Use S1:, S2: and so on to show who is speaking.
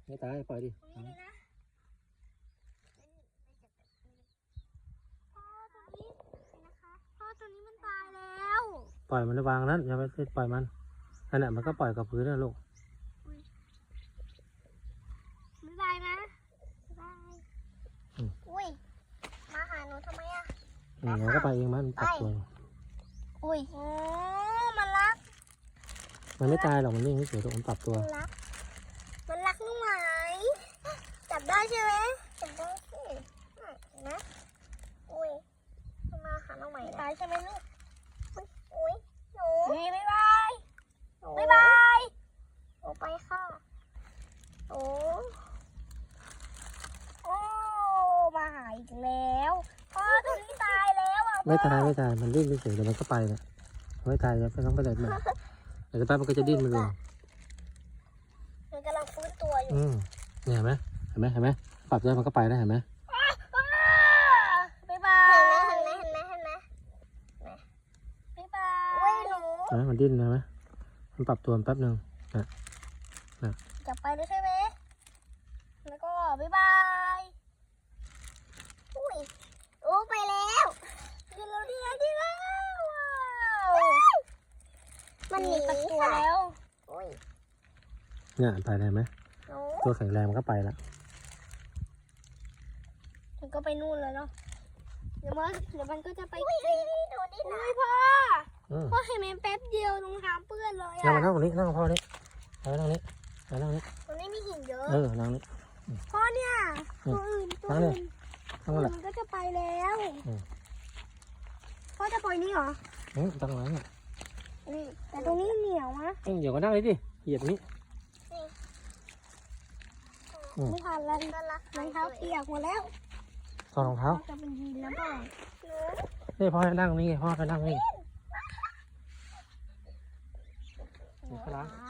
S1: ไม่ตายปล่อยดิ
S2: พ่อตัวนี้มันตายแล้ว
S1: ปล่อยมันวางนั้นอย่าไปปล่อยมันนั่นแหละมันก็ปล่อยกับพื้นนะลูก
S2: บ๊ายบายนะบ๊ายบายอุ้ยมาหาหนูทำไมอ่ะ
S1: มันก็ไปเองมันปรับตัว
S2: อุ้ยมันรัก
S1: มันไม่ตายหรอกมันนิ่งเฉยๆมันปรับตัว
S2: มันรักลูกไหมจับได้ใช่ไหมจับได้สินะอุ้ยมาหาน้องใหม่ตายใช่ไหมลูกอุ้ยหนูบ๊ายบายบ๊ายบายโอ้ไปค่ะโอ้มาหาอีกแล้วพ่อตัวนี้ตายแล้วอ่ะ
S1: ไม่ตายมันดิ้นเฉยๆเดี๋ยวมันก็ไปเนี่ยไม่ตายแล้วต้องไปไหนมันเดี๋ยวแป๊บมันก็จะดิ้นมันเอง
S2: มันกำลังฟื้นตัวอยู่
S1: เนี่ยเห็นไหมปรับแล้วมันก็ไปได้เห็นไหม
S2: บ๊ายบายเห็นไหมบ๊ายบายหนู
S1: มันดิ้นนะไหมมันปรับตัวแป๊บนึงนะ
S2: จับไปเลยใช่ไหมแล้วก็บ๊ายบายอุ้ยโอ้ไปแล้วดีแล้วมันหนีตัวแล้ว
S1: เนี่ยไปได้ไหมตัวแข็งแรงมันก็ไปแล้ว
S2: มันก็ไปนู่นเลยเนาะเดี๋ยวมันก็จะไปอุ้ยพ่อให้แม่แป๊บเดียวรองเท้าเปื้อนเลยอ่ะ
S1: นั่งตรงนี้นั่งพ่อนี่นั่งนี้
S2: ตรงนี้มีหินเยอะ
S1: นั่งนี้
S2: พ่อเนี่ยตัวอื่นมันก็จะไปแล้วพ่อจะปล่อยนี่เหรอ
S1: ตรงนั้น
S2: แต่ตรงนี้เหนียวนะ
S1: เดี๋ยวก็นั่งเลยดิเหยียบนี้
S2: ไม่ทันแล้วรองเท้าเปียกหมดแล้ว
S1: ถอดรองเท้า
S2: จะเป็นดินแล้วพ่อ
S1: นี่พ่อให้นั่งนี่พ่อไปนั่งนี่
S2: ว้าว